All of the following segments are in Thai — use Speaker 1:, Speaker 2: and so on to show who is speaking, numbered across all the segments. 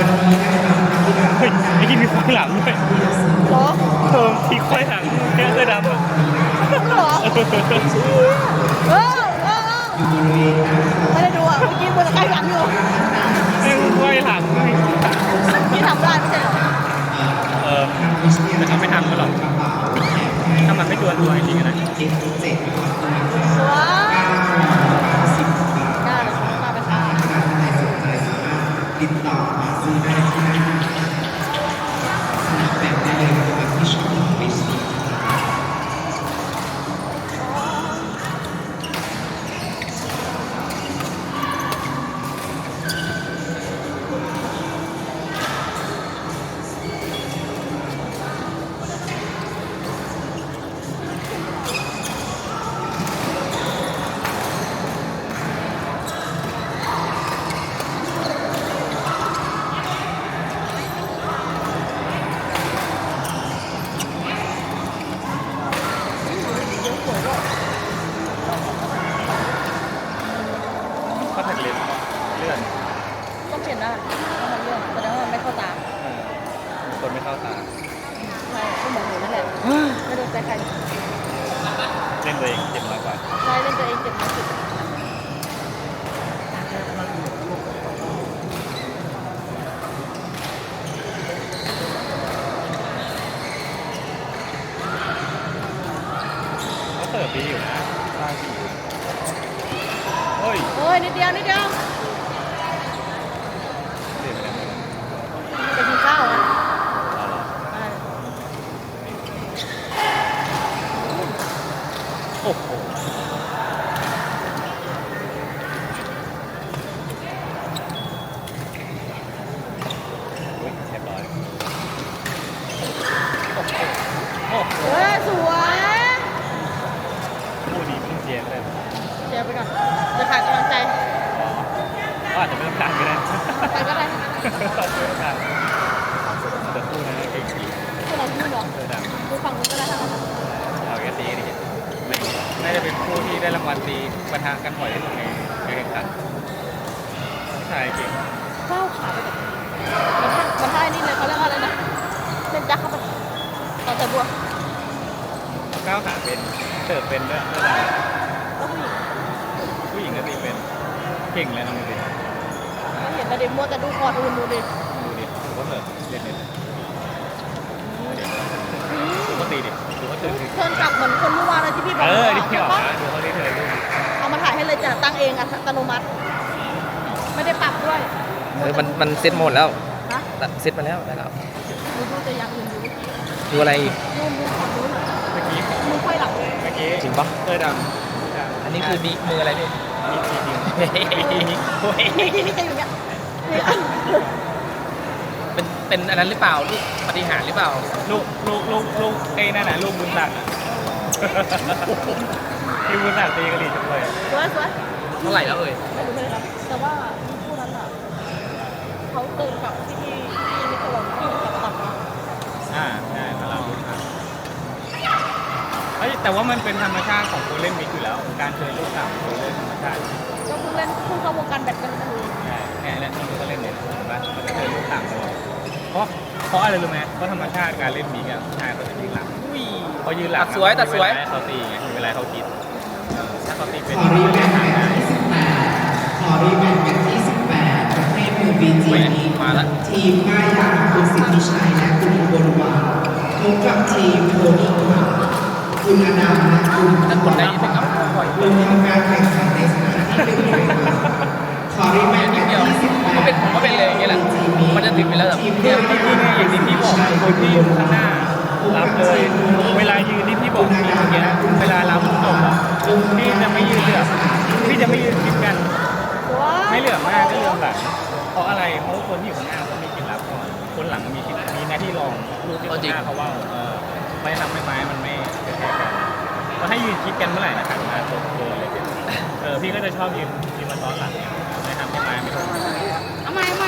Speaker 1: เฮ้ยไอ้ที่มีควายหลังด้วย
Speaker 2: เหรอ
Speaker 1: มีควายหลังแค่เสื้อดำอ่ะ
Speaker 2: เหรอเออไม่ได้ดูอ่ะเมื่อกี้มันใกล้หลังอยู่
Speaker 1: แม่งควายหลังด้วย
Speaker 2: พี่ทำได้ไม่ใช่เหรอ
Speaker 1: แต่เขาไม่ทำก็หรอกถ้ามันไม่ตัวจริงๆนะ
Speaker 2: ว้าวกล้าเลยมาเป็นอา
Speaker 3: ติดต่อมาซื้อได้ที่หน้าแบบได้เลยนะครับที่ช็อปเฟซบุ๊ก
Speaker 1: ก็ถักเล็บเลื่อน
Speaker 2: ต้องเปลี่ยนได้ต้องมาเรื่องแสดงว่ามันไม่เข้าตา
Speaker 1: คนไม่เข้าตา
Speaker 2: ใช่ก็เหมือนหนูนั่นแหละไม่โดนใจใคร
Speaker 1: เล่นตัวเองเจ็บน้อยกว่า
Speaker 2: ใช่เล่นตัวเองเจ็บน้อยสุด
Speaker 1: เขาเสิร์ฟดีอยู่นะได้ดีเฮ้ย
Speaker 2: โอ้ยนิดเดียวนิดเดียว
Speaker 1: เสียไปแล้ว
Speaker 2: จะกินข้าวอ่ะ
Speaker 1: เอาเหรอโอ้โหอุ๊ยเรียบร้อยโอ้โหโอ้โห
Speaker 2: เฮ้ยสวย
Speaker 1: คู่นี้เพิ่งเชียร์เลย
Speaker 2: เชียร์ไปก่อนจะขาดกำลังใจ
Speaker 1: อ๋อก็อาจจะไม่ต้องการก็ได้
Speaker 2: ไปก็ได้
Speaker 1: ขอบคุณครับแต่คู่นั้นเก่งจริง
Speaker 2: พวกเราพูดเหรอ
Speaker 1: เธอดัง
Speaker 2: ดูฝั่งนู้นก็ได้ทั้งนั้น
Speaker 1: เอาแค่ตีนี่ไม่น่าจะเป็นคู่ที่ได้รางวัลตีปะทะกันบ่อยที่สุดในการแข่งขันผู้ชายเก่ง
Speaker 2: ก้าวขาไปแบบมันท่านี่เลยเขาเรียกว่าอะไรนะเล่นจักเข้าไปต่อแต่บัว
Speaker 1: ก้าวขาเป็นเสิร์ฟเป็นด้วยเธอดัง
Speaker 2: ก็ผู้หญิง
Speaker 1: ผู้หญิงก็ตีเป็นเก่งเลยน้องดูดิ
Speaker 2: ไม่เห็นแต่เด็กมัวแต่ดูคอร์ดอื่นดูดิ
Speaker 1: ดูดิดูว่าเสิร์ฟเล่นเลยเดี๋ยวดูเขาตีดิดูเขาเสิร์ฟดิ
Speaker 2: เทิร์นกลับเหมือนคนเมื่อวานเลยที่พี่บอก
Speaker 1: ที่พี่บอก
Speaker 2: ใช่ปะ
Speaker 1: นะดูเขาที่เธอลูก
Speaker 2: เอามาถ่ายให้เลยจ้ะตั้งเองอัตโนมัติ ไม่ได้ปรับด้วย
Speaker 4: มันเซ็ตหมดแล้ว
Speaker 2: นะ
Speaker 4: ตัดเซ็ตมาแล้วนะครับ
Speaker 2: ดูดูแต่อย่างอื่นอยู่
Speaker 4: ดูอะไรอีก
Speaker 2: ดูฝั่งนู้น
Speaker 1: เมื่อกี้
Speaker 2: มือไขว้หลังเลย
Speaker 1: เมื่อกี้
Speaker 4: จริงปะ
Speaker 1: เธอดัง
Speaker 4: อันนี้คือมีมืออะไรพี่
Speaker 1: มีทีเดียวมีทีนี้โอ้ย
Speaker 2: นี่จะอย่างเงี้ย
Speaker 4: เป็นอันนั้นหรือเปล่าลูกปฏิหารย์หรือเปล่า
Speaker 1: ลูกไอ้นั่นน่ะลูกบุญศักดิ์อะที่บุญศักดิ์ตีกระดิ่งจังเลย
Speaker 2: สวยสวย
Speaker 4: เท่าไหร่แล้วเอ่ย
Speaker 2: ไม่รู้เลยครับแต่ว่าคู่นั้นอ่ะเขาเติมกับที่นิโคลัสที่กับตัดมา
Speaker 1: ใช่ตลาดบุญศักดิ์เอ้ยแต่ว่ามันเป็นธรรมชาติของคนเล่นมิกอยู่แล้ว การเจอลูกต่ำคนเล่นธรรมชาติ
Speaker 2: ก็เพิ่งเล่นเพิ่งเข้าวงการแบดกันเลย
Speaker 1: ใช่เนี่ยแล้วนี่ก็เล่นเนี่ยเห็นปะมันจะเจอลูกต่ำตลอดเพราะอะไรรู้ไหมเพราะธรรมชาติการเล่นมิกอะผู้ชายเขาจะยืนหลัง
Speaker 4: อุ้ย
Speaker 1: เขายืนหลัง
Speaker 4: ตัดสวยตัดสวย
Speaker 1: มีเวลาให้เขาตีไงมีเวลาให้เขาคิดถ้าเขาตีเป็น
Speaker 3: ขอรีแมทแมตช์ที่18ขอรีแมทแมตช์ที่18ประเภทมือบีจีนี้
Speaker 4: มาละ
Speaker 3: ทีมง่ายดาคุณสิทธิชัยและคุณอุบลวานพบกับทีมโทนี่ค่ะคุณอนันต์และคุณ
Speaker 4: ถ้าคนได้ยินไหมครับ
Speaker 3: ลงทำการแข่งขันในสนามที่1เลยค่ะขอรีแมทแมตช์ที่18
Speaker 4: ผมก็เป็นเลยอย่างเงี้ยแหละมันจะถึงไปแล้วแบบ
Speaker 3: ทีมเพื่อนที่
Speaker 1: ที่นี่อย่างที่พี่บอกคนที่อยู่ข้างหน้ารับเลย เวลายืนที่พี่บอกพี่เมื่อกี้เวลารับตกอะพี่จะไม่ยืนเหลือบพี่จะไม่ยืนคิดกัน
Speaker 2: ว้า
Speaker 1: ไม่เหลือบมากก็เหลือบหลังเพราะอะไรเพราะคนที่อยู่ข้างหน้าเขามีคิดรับก่อนคนหลังมีคิดมีหน้าที่รองลูกที่ข้างหน้าเขาว่าไม่ทำให้ไม้มันไม่กระแทกกันแล้วให้ยืนคิดกันเมื่อไหร่นะหันมาตกตัวเลยพี่ก็จะชอบยืนมาซ้อนหลังเนี่ยไม่ทำให้ไม้ไม่ตก
Speaker 2: เอาใหม่เอาใหม่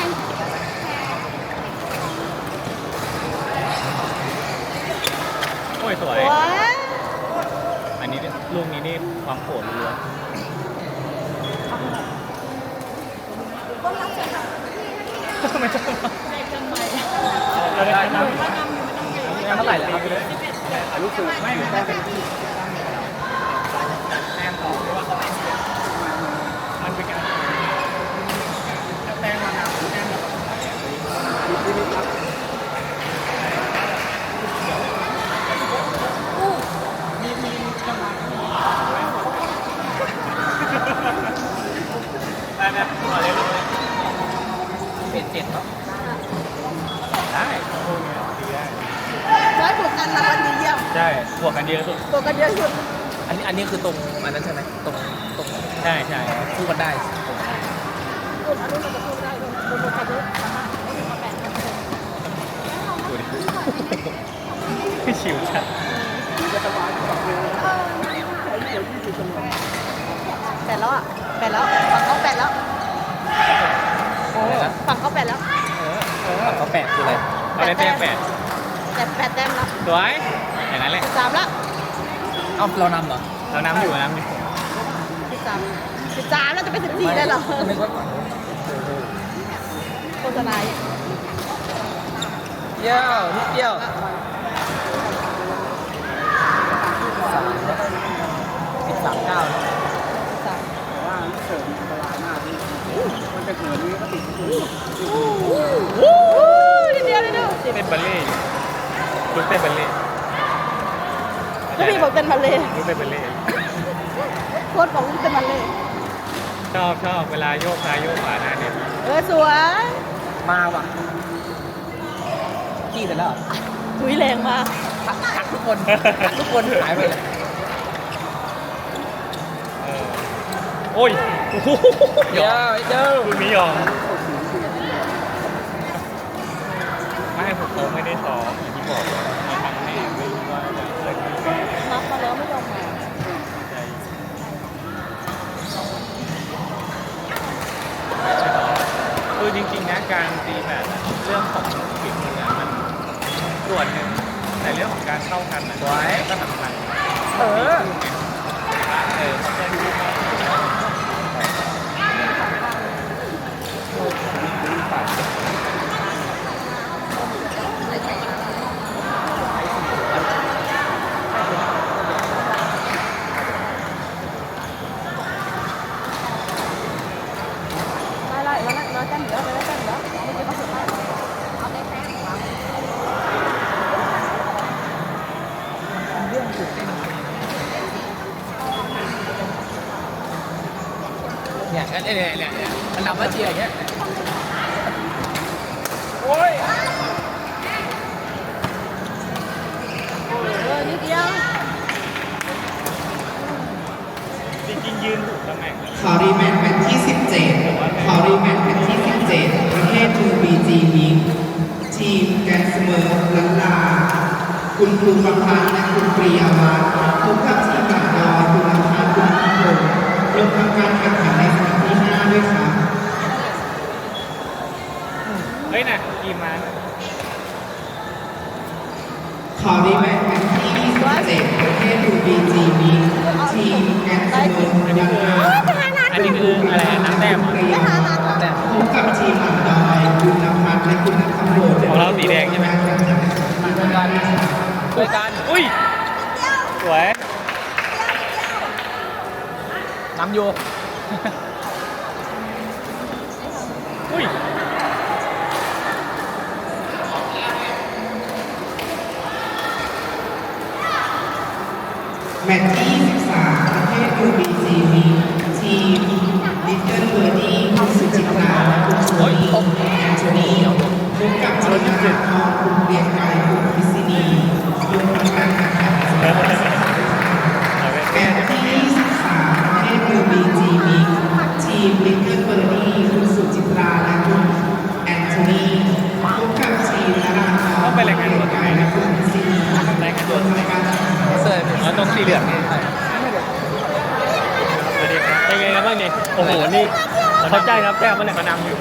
Speaker 1: โอ้ยสวย
Speaker 2: ว้า
Speaker 1: อันนี้ลูกนี้นี่ความโหดล้วน
Speaker 2: ต้นรักเชียวค่ะ
Speaker 1: ไม่ต้องเราได้นำ
Speaker 4: เท่าไหร่แล้วครับ
Speaker 1: รู้สึกไม่แต้มเป็นที่แต้มต่อเพราะว่าเขามันเป็นการแต้มมานำแต้มแบบมีจังหวะได้ต่อเลย
Speaker 4: เป็น7เนาะ
Speaker 1: ได้โอ้ยดีได้
Speaker 2: ได้บวกกันรางวัลดีเยี่ยม
Speaker 1: ใช่บวกกันเยอะสุด
Speaker 2: บวกกันเยอะสุด
Speaker 4: อันนี้คือตรงอันนั้นใช่ไหมตรง
Speaker 1: ใช่ใช่
Speaker 4: คู่กันได้
Speaker 2: คนอันนู้นมันจะพูดได้คนบวกกันเยอะสามารถเอามาแบ่งกัน
Speaker 1: ดูดิพี่ชิวจัด
Speaker 2: แปดแล้วอ่ะแปดแล้วฝั่งเขาแปดแล้ว
Speaker 4: อะไรนะ
Speaker 2: ฝั่งเขาแปดแล้ว
Speaker 4: เขา8คืออะไร
Speaker 1: เอาได้แต้ม8
Speaker 2: แต่แปดแต้มแล้ว
Speaker 1: สวยอย่างนั้นแหละ
Speaker 2: 13แล้ว
Speaker 4: เอ้าเรานำเหรอ
Speaker 1: เราน้ำอยู่น้ำอยู่
Speaker 2: 13แล้วจะเป็น14ได้เหรอ
Speaker 4: นึกว่าฝั่งนู้น
Speaker 2: โฆษณา
Speaker 4: เยี่ยวนิดเดียว13 19เนาะ
Speaker 2: นิดเดียวนิดเดียว
Speaker 1: เต้นบัลเล่ต์ลูกเต้นบัลเล่ต์
Speaker 2: แล้วพี่บอกเต้นบัลเล่ต์
Speaker 1: ลูกเต้นบัลเล่ต์
Speaker 2: โค้ชบอกลูกเต้นบัลเล่ต์
Speaker 1: ชอบเวลาโยกซ้ายโยกขวาหน้าเนี่ย
Speaker 2: สวย
Speaker 4: มาว่ะขี้เสร็จแล้วเหรอ
Speaker 2: ถุยแรงมาก
Speaker 4: ทักทุกคนทักทุกคนหายไปเลย
Speaker 1: โอ้ยโอ้โห
Speaker 4: เดี๋ยวเดี๋ยว
Speaker 1: คุณไม่ยอมไม่ผมไม่ได้ซ้อมอย่างที่บอกมาทำแน่ไม่รู้ว่าจะเกิดขึ้นแน่
Speaker 2: นับมาแล้วไม่ยอมมา
Speaker 1: ใจคือจริงๆนะการตีแบบเรื่องของฝีมือมันส่วนหนึ่งแต่เรื่องของการเข้ากันนะก็สำคัญ
Speaker 4: เออ
Speaker 1: เขาจะดู
Speaker 2: ไล่น้อยแต้มเหลือไปแล้วแต้มเหลือไม่ใช่เขาสุดท้ายเอาได้แต้ม
Speaker 4: เนี่ยมันนำมาเชียร์อย่างเงี้ย
Speaker 1: โอ้ย
Speaker 2: นิดเดียว
Speaker 1: จริงๆยืนถูกตำแหน่งเลย
Speaker 3: ขอรีแมตช์แมตช์ที่ 17 ขอรีแมตช์แมตช์ที่ 17 ประเภท 2BG มิกทีมแกนเสมอลันลา คุณครูประพันธ์และคุณปรียาวัฒน์พบกับทีมหลักดอยคุณลำพาคุณพิพงศ์ลงทำการแข่งขันในสนามที่ 5 ด้วยครับ
Speaker 1: เฮ้ยนะกีมา
Speaker 3: ขอรีแมตช์แมตช์ที่ 27 ประเภท 2BG มิกทีมแกนเสมอลันลา
Speaker 1: อันนี้คืออะไรน้ำแต้มเหรอ
Speaker 4: แต่
Speaker 3: พบกับทีมหลักดอยคุณนภัสและคุณนัทโรจน์
Speaker 1: ของเราสีแดงใช่ไหม
Speaker 4: ช่วยกัน
Speaker 1: อุ้ย สวย
Speaker 4: นำอยู่
Speaker 1: อุ้ย
Speaker 3: แมตช์ที่ 23 ประเภท UBC มีทีม Little Birdie คุณสุจิตราและคุณโชลีแอนโทนีพบกับทีมนราพรคุณเรียงไกรคุณพิษินีลงทำการแข่งขันในสนามที่ แมตช์ที่ 23 ประเภท UBG มีทีม Little Birdie คุณสุจิตราและคุณแอนโทนีพบกับทีมนราพรคุณเรียงไกรและคุณพิษินีลงทำการแข่งขัน
Speaker 4: เสิร์ฟ
Speaker 1: อ๋อตรงสีเหลืองนี่สวัสดีครับเป็นไงครับบ้างนี่โอ้โห นี่เข้าใจครับแต้มมันเนี่ยมานำอยู่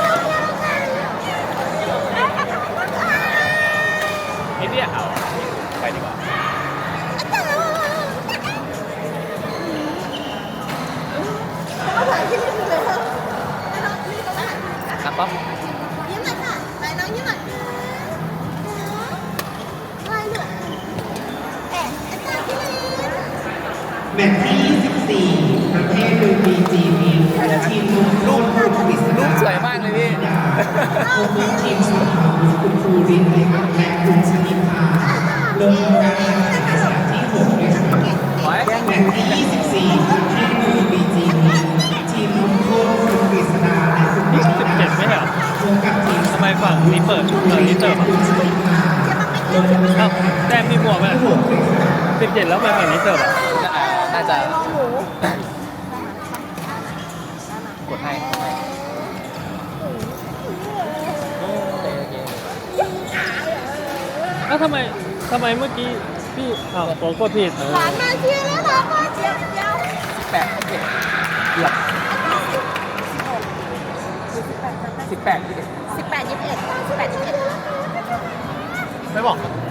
Speaker 1: นิดเดียวเอาไปดีกว่า
Speaker 2: เขาถ่ายคลิปให้ดูเลยเถอะ
Speaker 4: ครับป๊อป
Speaker 2: ยิ้มหน่อยค่ะไหนน้องยิ้มหน่อย
Speaker 3: แมตช์ที่ 24 ประเภทดูบีจีมีทีมลูกปริศนา
Speaker 4: สวยมากเลยพี่
Speaker 3: พบทีมสาวคุณครูรินนะครับและคุณชนิพาลงการแข่งขันสนามที่6ด้วยกันแมตช์ที่ 24 ประเภทดูบีจีมีทีมลูกโทษคุณปริศนาและคุณ
Speaker 1: 17 ไม่เหรอ
Speaker 3: พบกับทีม
Speaker 1: ทำไมฝั่งนี้เปิดฝั่งนี้เติมอ่ะ
Speaker 3: คุณชนิพาลงการ
Speaker 1: เอ้า
Speaker 3: แข่งขัน
Speaker 1: แต้มมีบวกไหม
Speaker 3: ที่6ด้วยกัน
Speaker 1: 17 แล้วไปฝั่งนี้เติมอ่ะ
Speaker 4: น่าจะ
Speaker 2: ลองหมู
Speaker 4: กดให้
Speaker 1: แล้วทำไมเมื่อกี้พี่อ้าวผมกดผิด
Speaker 2: หลานมาเชียร์แล้วค่ะมาเชียร์เดียว
Speaker 4: 8โอเคเกือบ18
Speaker 2: 18 21 18 21
Speaker 1: ไม่บอก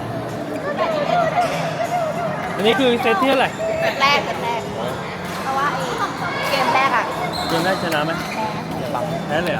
Speaker 1: อันนี้คือเซตที่เท่าไหร่
Speaker 2: แรกเพราะว่าไอ้เกมแรกอ่ะ
Speaker 1: เกมได้ชนะไหมแพ้เลยเหรอ